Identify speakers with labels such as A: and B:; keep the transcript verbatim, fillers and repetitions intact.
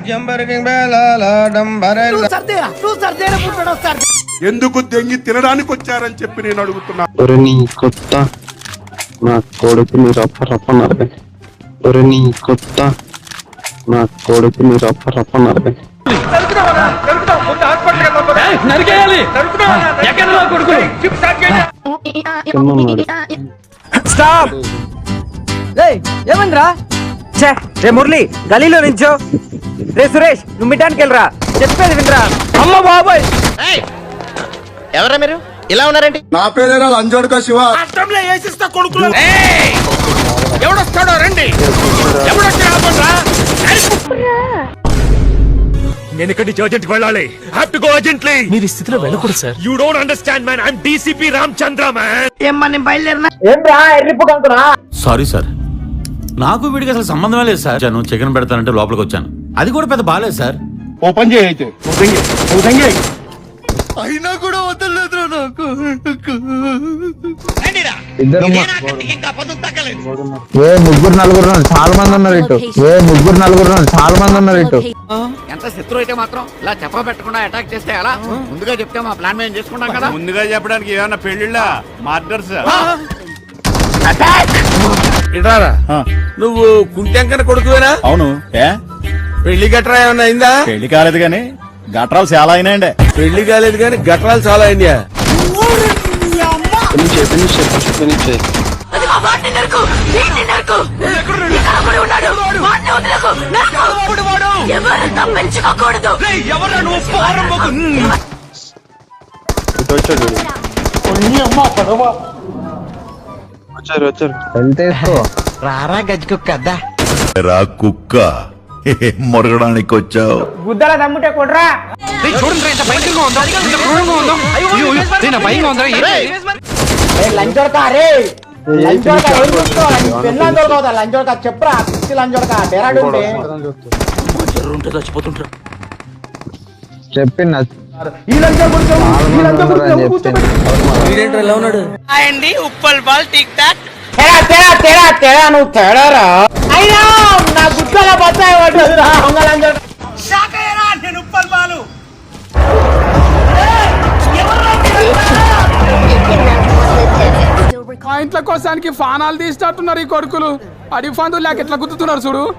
A: ఎందుకు దెంగి తినడానికి వచ్చారని చెప్పి నేను అడుగుతున్నా.
B: నీ కొత్త నా కొడుకుని రప్ప రప్ప నరగ నీ కొత్త నా కొడుకుని రప్ప రప్ప నరగ
C: ఏమంద్రా రే మురళి గలీలో నించో. రే సురేష్ నువ్వు మిడ్డానికి వెళ్ళరా, చెప్పేది వినరా. అమ్మ బాబాయ్
D: ఎవరా మీరు ఇలా ఉన్నారండి?
A: నా పేరేరా లంజోడుక శివ.
E: అష్టంలో వేసిస్తా కొడుకులు. ఎవడొస్తాడో రండి. నేను ఇక్కడి నుంచి అర్జెంట్ వెళ్ళాలి. Have to go urgently.
F: మీరు ఈ స్థితిలో వెళ్ళకూడదు sir.
E: You don't understand man. I am DCP Ramachandra man.
C: ఏమ్మా నేను బయలుదేరినా. ఏం రా ఎర్రిప్పు కనుకున్నా.
F: సారీ సార్, నాకు వీడికి అసలు సంబంధమే లేదు సార్. నువ్వు చికెన్ పెడతానంటే లోపలికి వచ్చాను. అది కూడా పెద్ద బాలేదు సార్.
A: ఓపెన్ చేయి అయితే.
D: అయినా కూడా వదలలేదు నాకు.
B: ఏ ముగ్గురు నలుగురు చాలా మంది ఉన్నారు ఇటు. ఏ ముగ్గురు నలుగురు చాలా మంది ఉన్నారు ఇటు.
D: ఎంత శత్రు అయితే మాత్రం ఇలా చెప్ప పెట్టకుండా అటాక్ చేస్తే ఎలా? ముందుగా చెప్తే మా ప్లాన్ మేము చేసుకుంటాం కదా.
E: ముందుగా చెప్పడానికి ఏమన్నా పెళ్లిళ్ళ మార్డర్స్.
A: ఇటారా
E: నువ్వు కుంటెంకన కొడుకువేనా?
A: అవును. ఏ
E: పెళ్లి గట్రా ఏమన్నా అయిందా?
A: పెళ్లి కాలేదు గాని గట్రాలు చాలా అయినాయండి.
E: పెళ్లి కాలేదు కానీ గట్రాలు చాలా అయినాయా?
B: వచ్చారు వచ్చారు వెళ్తే
D: రారా గజ్జుకుక్క
G: రా కుక్క మొరగడానికి వచ్చావు.
C: గుద్దల దమ్ముటే కొడరా. లంచోడక రే లంచోడక లంచోడక లంచోడక చెప్పరా. లంచోడక డేరాడు
F: చచ్చిపోతుంటారు.
B: చెప్పిన
F: ఎలా ఉన్నాడు?
C: Uppal ball tick tock. తేడా తేడా తేడా తేడా నువ్వు తేడారా. అయినా నా గుద్దల బత్తాయి పడ్డదిరా. నేను ఉప్పల్ బాలు.
H: మా ఇంట్లో కోసానికి ఫానాలు తీసినట్టున్నారు ఈ కొడుకులు. అడి ఫందు లేక ఎట్లా గుర్తుతున్నారు చూడు.